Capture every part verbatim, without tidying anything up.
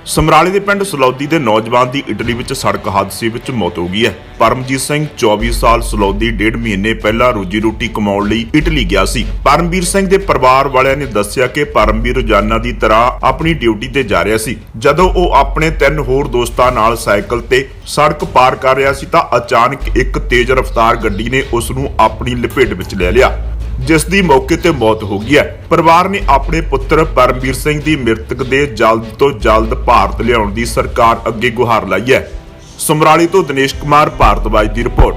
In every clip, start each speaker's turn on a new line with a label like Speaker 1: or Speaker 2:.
Speaker 1: ਸਮਰਾਲੇ ਦੇ ਪਿੰਡ ਸਲੌਦੀ ਦੇ ਨੌਜਵਾਨ ਦੀ ਇਟਲੀ ਵਿੱਚ ਸੜਕ ਹਾਦਸੇ ਵਿੱਚ ਮੌਤ ਹੋ ਗਈ ਹੈ। ਪਰਮਜੀਤ ਸਿੰਘ ਚੌਵੀ ਸਾਲ ਸਲੌਦੀ ਡੇਢ ਮਹੀਨੇ ਪਹਿਲਾਂ ਰੋਜੀ ਰੋਟੀ ਕਮਾਉਣ ਲਈ ਇਟਲੀ ਗਿਆ ਸੀ। ਪਰਮਵੀਰ ਸਿੰਘ ਦੇ ਪਰਿਵਾਰ ਵਾਲਿਆਂ ਨੇ ਦੱਸਿਆ ਕਿ ਪਰਮਵੀਰ ਰੋਜ਼ਾਨਾ ਦੀ ਤਰ੍ਹਾਂ ਆਪਣੀ ਡਿਊਟੀ ਤੇ ਜਾ ਰਿਹਾ ਸੀ। ਜਦੋਂ ਉਹ ਆਪਣੇ ਤਿੰਨ ਹੋਰ ਦੋਸਤਾਂ ਨਾਲ ਸਾਈਕਲ ਤੇ ਸੜਕ ਪਾਰ ਕਰ ਰਿਹਾ ਸੀ ਤਾਂ ਅਚਾਨਕ ਇੱਕ ਤੇਜ਼ ਰਫ਼ਤਾਰ ਗੱਡੀ ਨੇ ਉਸ ਨੂੰ ਆਪਣੀ ਲਪੇਟ ਵਿੱਚ ਲੈ ਲਿਆ, ਜਿਸ ਦੀ ਮੌਕੇ ਤੇ ਮੌਤ ਹੋ ਗਈ ਹੈ। ਪਰਿਵਾਰ ਨੇ ਆਪਣੇ ਪੁੱਤਰ ਪਰਮਵੀਰ ਸਿੰਘ ਦੀ ਮ੍ਰਿਤਕ ਦੇ ਜਲਦ ਤੋਂ ਜਲਦ ਭਾਰਤ ਲਿਆਉਣ ਦੀ ਸਰਕਾਰ ਅੱਗੇ ਗੁਹਾਰ ਲਾਈ ਹੈ। ਸਮਰਾਲੇ ਤੋਂ ਦਿਨੇਸ਼ ਕੁਮਾਰ ਭਾਰਤਵਾਜ ਦੀ ਰਿਪੋਰਟ।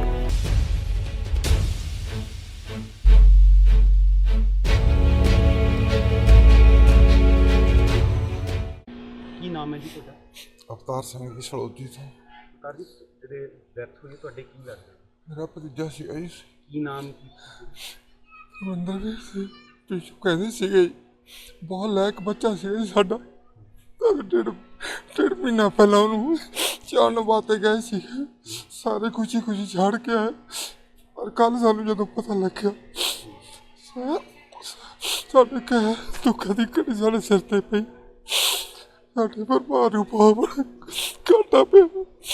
Speaker 2: ਕੀ ਨਾਮ ਹੈ ਜੀ ਤੁਹਾਡਾ?
Speaker 3: ਅਵਤਾਰ ਸਿੰਘ ਜੀ ਸਲੌਦੀ ਤੋਂ।
Speaker 2: ਅਵਤਾਰ ਜੀ, ਜਿਹੜੇ ਡੈਥ ਹੋਈ ਤੁਹਾਡੇ ਕੀ ਲੱਗਦਾ?
Speaker 3: ਮੇਰਾ ਭਤੀਜਾ ਸੀ ਜੀ।
Speaker 2: ਕੀ ਨਾਮ ਕੀ?
Speaker 3: ਰਵਿੰਦਰ ਵੀਰ ਸੀ। ਪਿੱਛੋਂ ਕਹਿੰਦੇ ਸੀਗੇ ਜੀ, ਬਹੁਤ ਲਾਇਕ ਬੱਚਾ ਸੀ ਜੀ ਸਾਡਾ। ਡੇਢ ਡੇਢ ਮਹੀਨਾ ਪਹਿਲਾਂ ਉਹਨੂੰ ਚਾਣ ਵਾਸਤੇ ਗਏ ਸੀ, ਸਾਰੇ ਖੁਸ਼ੀ ਖੁਸ਼ੀ ਛੱਡ ਕੇ ਆਏ। ਪਰ ਕੱਲ੍ਹ ਸਾਨੂੰ ਜਦੋਂ ਪਤਾ ਲੱਗਿਆ ਸਾਡੇ ਕਹਿ ਦੁੱਖਾਂ ਦੀ ਘੜੀ ਸਾਡੇ ਸਿਰ ਤੇ ਪਈ। ਸਾਡੇ ਪਰਿਵਾਰ ਨੂੰ ਬਹੁਤ ਘਾਟਾ ਪਿਆ।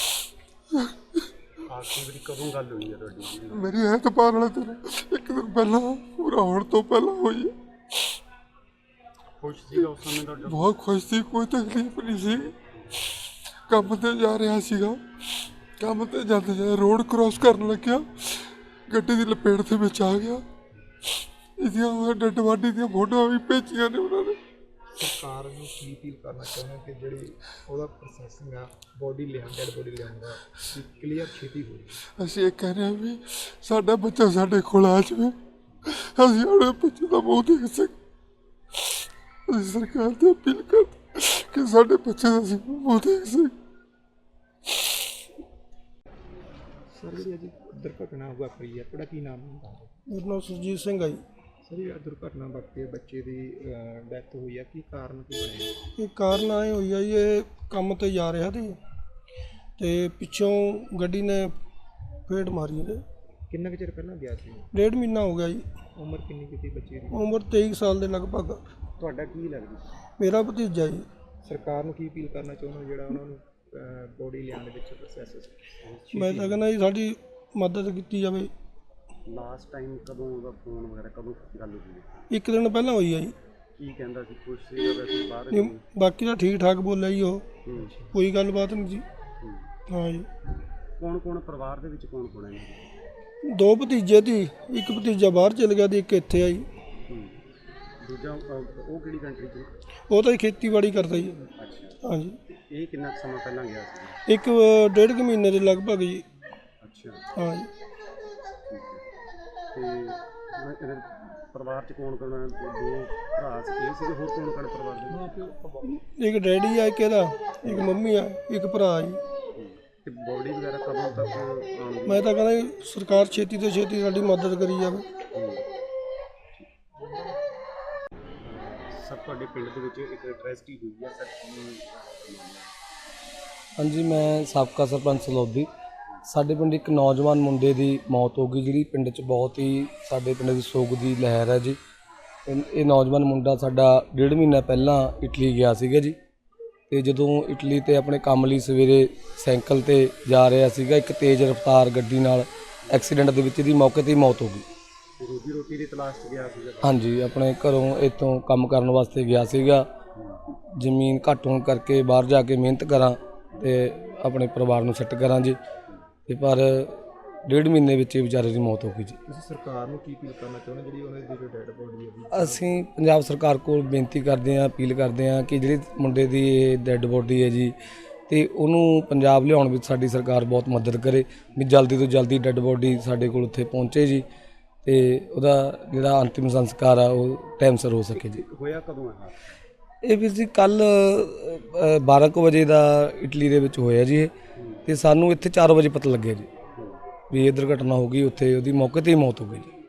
Speaker 2: ਆਖਰੀ ਵਾਰੀ ਕਦੋਂ ਗੱਲ ਹੋਈ ਹੈ ਤੁਹਾਡੀ?
Speaker 3: ਮੇਰੀ ਐਤਵਾਰ ਵਾਲੇ ਦਿਨ ਇੱਕ ਦਿਨ ਪਹਿਲਾਂ, ਪੂਰਾ ਹੋਣ ਤੋਂ ਪਹਿਲਾਂ ਹੋਈ ਹੈ।
Speaker 2: ਖੁਸ਼ ਸੀਗਾ ਉਸ ਸਮੇਂ ਤੁਹਾਡਾ?
Speaker 3: ਬਹੁਤ ਖੁਸ਼ ਸੀ, ਕੋਈ ਤਕਲੀਫ ਨਹੀਂ ਸੀ। ਕੰਮ ਤੇ ਜਾ ਰਿਹਾ ਸੀਗਾ, ਕੰਮ ਤੇ ਜਾਂਦੇ ਜਾਂਦੇ ਰੋਡ ਕ੍ਰੋਸ ਕਰਨ ਲੱਗਿਆ, ਗੱਡੀ ਦੀ ਲਪੇਟ ਦੇ ਵਿੱਚ ਆ ਗਿਆ। ਇਹਦੀਆਂ ਡੈਡ ਬਾਡੀ ਦੀਆਂ ਫੋਟੋਆਂ ਵੀ ਭੇਜੀਆਂ ਨੇ ਉਹਨਾਂ ਨੇ।
Speaker 4: ਸਰਕਾਰ ਨੂੰ ਕੀ ਅਪੀਲ ਕਰਨਾ ਚਾਹੁੰਦੇ ਕਿ ਜਿਹੜੀ ਉਹਦਾ ਪ੍ਰੋਸੈਸਿੰਗ ਆ ਬੋਡੀ ਲਿਆਉਣ ਡੈਡ ਬੋਡੀ ਲਿਆਉਣ ਦਾ ਕਲੀਅਰ ਛੇਤੀ ਹੋਵੇ।
Speaker 3: ਅਸੀਂ ਇਹ ਕਹਿ ਰਹੇ ਹਾਂ ਵੀ ਸਾਡਾ ਬੱਚਾ ਸਾਡੇ ਕੋਲ ਆ ਜਾਵੇ, ਅਸੀਂ ਆਪਣੇ ਬੱਚੇ ਦਾ ਮੂੰਹ ਦੇਖ ਸਕੀਏ। ਅਸੀਂ ਸਰਕਾਰ ਤੋਂ ਅਪੀਲ ਕਰਦੇ ਕਿ ਸਾਡੇ ਬੱਚੇ ਦਾ ਅਸੀਂ ਮੂੰਹ ਦੇਖ ਸਕੀਏ।
Speaker 4: ਸਰ, ਜਿਹੜੀ ਅੱਜ ਦੁਰਘਟਨਾ ਵਾਪਰੀ ਹੈ, ਤੁਹਾਡਾ ਕੀ ਨਾਮ ਹੈ?
Speaker 5: ਮੇਰਾ ਨਾਮ ਸੁਰਜੀਤ ਸਿੰਘ ਆ ਜੀ।
Speaker 4: ਸਰ, ਇਹ ਦੁਰਘਟਨਾ ਵਾਪਰੀ, ਬੱਚੇ ਦੀ ਡੈਥ ਹੋਈ ਹੈ, ਕੀ ਕਾਰਨ ਕੀ ਬਣਿਆ?
Speaker 5: ਇਹ ਕਾਰਨ ਆਏ ਹੋਈ ਆ ਜੀ, ਇਹ ਕੰਮ ਤੇ ਜਾ ਰਿਹਾ ਸੀ ਤੇ ਪਿੱਛੋਂ ਗੱਡੀ ਨੇ ਫੇਟ ਮਾਰੀ ਇਹਦੇ।
Speaker 4: ਕਿੰਨਾ ਕੁ ਚਿਰ ਪਹਿਲਾਂ ਗਿਆ ਸੀ?
Speaker 5: ਡੇਢ ਮਹੀਨਾ ਹੋ ਗਿਆ ਜੀ।
Speaker 4: ਉਮਰ ਕਿੰਨੀ ਕੀਤੀ ਬੱਚੇ ਦੀ?
Speaker 5: ਉਮਰ ਤੇਈ ਸਾਲ ਦੇ ਲਗਭਗ।
Speaker 4: ਤੁਹਾਡਾ ਕੀ ਲੱਗਦਾ?
Speaker 5: ਮੇਰਾ ਭਤੀਜਾ ਜੀ।
Speaker 4: ਸਰਕਾਰ ਨੂੰ ਕੀ ਅਪੀਲ ਕਰਨਾ ਚਾਹੁੰਦੇ ਹੋ ਜਿਹੜਾ ਉਹਨਾਂ ਨੂੰ ਬੋਡੀ ਲਿਆਉਣ ਦੇ ਵਿੱਚ ਪ੍ਰੋਸੈਸ?
Speaker 5: ਮੈਂ ਤਾਂ ਕਹਿੰਦਾ ਜੀ ਸਾਡੀ ਮਦਦ ਕੀਤੀ ਜਾਵੇ।
Speaker 2: ਲਾਸਟ ਟਾਈਮ ਕਦੋਂ ਉਹਦਾ ਫੋਨ ਵਗੈਰਾ ਕਦੋਂ ਗੱਲ ਹੋਈ?
Speaker 5: ਇੱਕ ਦਿਨ ਪਹਿਲਾਂ ਹੋਈ ਆ ਜੀ।
Speaker 2: ਕੀ ਕਹਿੰਦਾ ਸੀ? ਖੁਸ਼ ਸੀਗਾ ਵੈਸੇ ਬਾਹਰ?
Speaker 5: ਨਹੀਂ, ਬਾਕੀ ਤਾਂ ਠੀਕ ਠਾਕ ਬੋਲਿਆ ਜੀ ਉਹ, ਕੋਈ ਗੱਲਬਾਤ ਨਹੀਂ ਜੀ। ਹਾਂ ਜੀ।
Speaker 2: ਕੌਣ ਕੌਣ ਪਰਿਵਾਰ ਦੇ ਵਿੱਚ ਕੌਣ ਕੌਣ ਹੈ?
Speaker 5: ਦੋ ਭਤੀਜੇ ਸੀ, ਇੱਕ ਭਤੀਜਾ ਬਾਹਰ ਚਲ ਗਿਆ ਤੇ ਇੱਕ ਇੱਥੇ ਆ ਜੀ।
Speaker 2: ਦੂਜਾ ਉਹ ਕਿਹੜੀ ਕੰਟਰੀ 'ਚ?
Speaker 5: ਉਹ ਤਾਂ ਜੀ ਖੇਤੀਬਾੜੀ ਕਰਦਾ ਜੀ।
Speaker 2: ਅੱਛਾ।
Speaker 5: ਹਾਂ ਜੀ।
Speaker 2: ਇਹ ਕਿੰਨਾ ਕੁ ਸਮਾਂ ਪਹਿਲਾਂ ਗਿਆ ਸੀ?
Speaker 5: ਇੱਕ ਡੇਢ ਕੁ ਮਹੀਨੇ ਦੇ ਲਗਭਗ ਜੀ।
Speaker 2: ਅੱਛਾ।
Speaker 5: ਹਾਂ ਜੀ।
Speaker 2: ਤੇ ਇਹਦੇ ਪਰਿਵਾਰ 'ਚ ਕੌਣ ਕੌਣ? ਦੋ ਭਰਾ ਸੀ, ਇਹ ਸੀਗੇ, ਹੋਰ ਕੌਣ ਕੌਣ ਪਰਿਵਾਰ ਦੇ?
Speaker 5: ਇੱਕ ਡੈਡੀ ਆ, ਇੱਕ ਇਹਦਾ, ਇੱਕ ਮੰਮੀ ਆ, ਇੱਕ ਭਰਾ ਜੀ।
Speaker 2: ਤੇ ਬੋਡੀ ਵਗੈਰਾ ਕਦੋਂ ਤੱਕ ਆਉਣਗੀ?
Speaker 5: ਮੈਂ ਤਾਂ ਕਹਿੰਦਾ ਜੀ ਸਰਕਾਰ ਛੇਤੀ ਤੋਂ ਛੇਤੀ ਸਾਡੀ ਮਦਦ ਕਰੀ ਜਾਵੇ।
Speaker 2: ਸਰ, ਤੁਹਾਡੇ ਪਿੰਡ ਦੇ ਵਿੱਚ ਇੱਕ ਟ੍ਰੈਜਡੀ ਹੋਈ ਹੈ ਸਰ, ਕੀ?
Speaker 6: ਹਾਂਜੀ, ਮੈਂ ਸਾਬਕਾ ਸਰਪੰਚ ਸਲੌਦੀ। ਸਾਡੇ ਪਿੰਡ ਇੱਕ ਨੌਜਵਾਨ ਮੁੰਡੇ ਦੀ ਮੌਤ ਹੋ ਗਈ, ਜਿਹੜੀ ਪਿੰਡ 'ਚ ਬਹੁਤ ਹੀ ਸਾਡੇ ਪਿੰਡ ਦੀ ਸੋਗ ਦੀ ਲਹਿਰ ਹੈ ਜੀ। ਇਹ ਨੌਜਵਾਨ ਮੁੰਡਾ ਸਾਡਾ ਡੇਢ ਮਹੀਨਾ ਪਹਿਲਾਂ ਇਟਲੀ ਗਿਆ ਸੀਗਾ ਜੀ। ਤੇ ਜਦੋਂ ਇਟਲੀ ਤੇ ਆਪਣੇ ਕੰਮ ਲਈ ਸਵੇਰੇ ਸਾਈਕਲ ਤੇ ਜਾ ਰਿਹਾ ਸੀਗਾ, ਇੱਕ ਤੇਜ਼ ਰਫ਼ਤਾਰ ਗੱਡੀ ਨਾਲ ਐਕਸੀਡੈਂਟ ਦੇ ਵਿੱਚ ਇਹਦੀ ਮੌਕੇ 'ਤੇ ਹੀ ਮੌਤ ਹੋ ਗਈ।
Speaker 2: ਰੋਜੀ ਰੋਟੀ ਦੀ ਤਲਾਸ਼ 'ਚ ਗਿਆ ਸੀਗਾ?
Speaker 6: ਹਾਂਜੀ, ਆਪਣੇ ਘਰੋਂ ਇੱਥੋਂ ਕੰਮ ਕਰਨ ਵਾਸਤੇ ਗਿਆ ਸੀਗਾ। ਜ਼ਮੀਨ ਘੱਟ ਹੋਣ ਕਰਕੇ ਬਾਹਰ ਜਾ ਕੇ ਮਿਹਨਤ ਕਰਾਂ ਤੇ ਆਪਣੇ ਪਰਿਵਾਰ ਨੂੰ ਸੈੱਟ ਕਰਾਂ ਜੀ। ਤੇ ਪਰ ਡੇਢ ਮਹੀਨੇ ਵਿੱਚ ਹੀ ਵਿਚਾਰੇ ਦੀ ਮੌਤ ਹੋ ਗਈ ਜੀ।
Speaker 4: ਤੁਸੀਂ ਸਰਕਾਰ ਨੂੰ ਕੀ ਅਪੀਲ ਕਰਨਾ ਚਾਹੁੰਦੇ ਜਿਹੜੀ ਉਹਨਾਂ ਦੀ ਜੋ ਡੈਡ ਬੋਡੀ ਹੈ?
Speaker 6: ਅਸੀਂ ਪੰਜਾਬ ਸਰਕਾਰ ਕੋਲ ਬੇਨਤੀ ਕਰਦੇ ਹਾਂ, ਅਪੀਲ ਕਰਦੇ ਹਾਂ ਕਿ ਜਿਹੜੀ ਮੁੰਡੇ ਦੀ ਇਹ ਡੈਡ ਬੋਡੀ ਹੈ ਜੀ, ਤੇ ਉਹਨੂੰ ਪੰਜਾਬ ਲਿਆਉਣ ਵਿੱਚ ਸਾਡੀ ਸਰਕਾਰ ਬਹੁਤ ਮਦਦ ਕਰੇ ਵੀ ਜਲਦੀ ਤੋਂ ਜਲਦੀ ਡੈਡ ਬੋਡੀ ਸਾਡੇ ਕੋਲ ਉੱਥੇ ਪਹੁੰਚੇ ਜੀ, ਤੇ ਉਹਦਾ ਜਿਹੜਾ ਅੰਤਿਮ ਸੰਸਕਾਰ ਆ ਉਹ ਟਾਈਮ ਸਿਰ ਹੋ ਸਕੇ ਜੀ।
Speaker 2: ਹੋਇਆ ਕਦੋਂ ਹੈ
Speaker 6: ਇਹ ਵੀਰ ਜੀ? ਕੱਲ੍ਹ ਬਾਰਾਂ ਕੁ ਵਜੇ ਦਾ ਇਟਲੀ ਦੇ ਵਿੱਚ ਹੋਇਆ ਜੀ ਇਹ, ਤੇ ਸਾਨੂੰ ਇੱਥੇ ਚਾਰ ਵਜੇ ਪਤਾ ਲੱਗਿਆ ਜੀ ਵੀ ਇਹ ਦੁਰਘਟਨਾ ਹੋ ਗਈ। ਉੱਥੇ ਉਹਦੀ ਮੌਕੇ 'ਤੇ ਹੀ ਮੌਤ ਹੋ ਗਈ ਜੀ।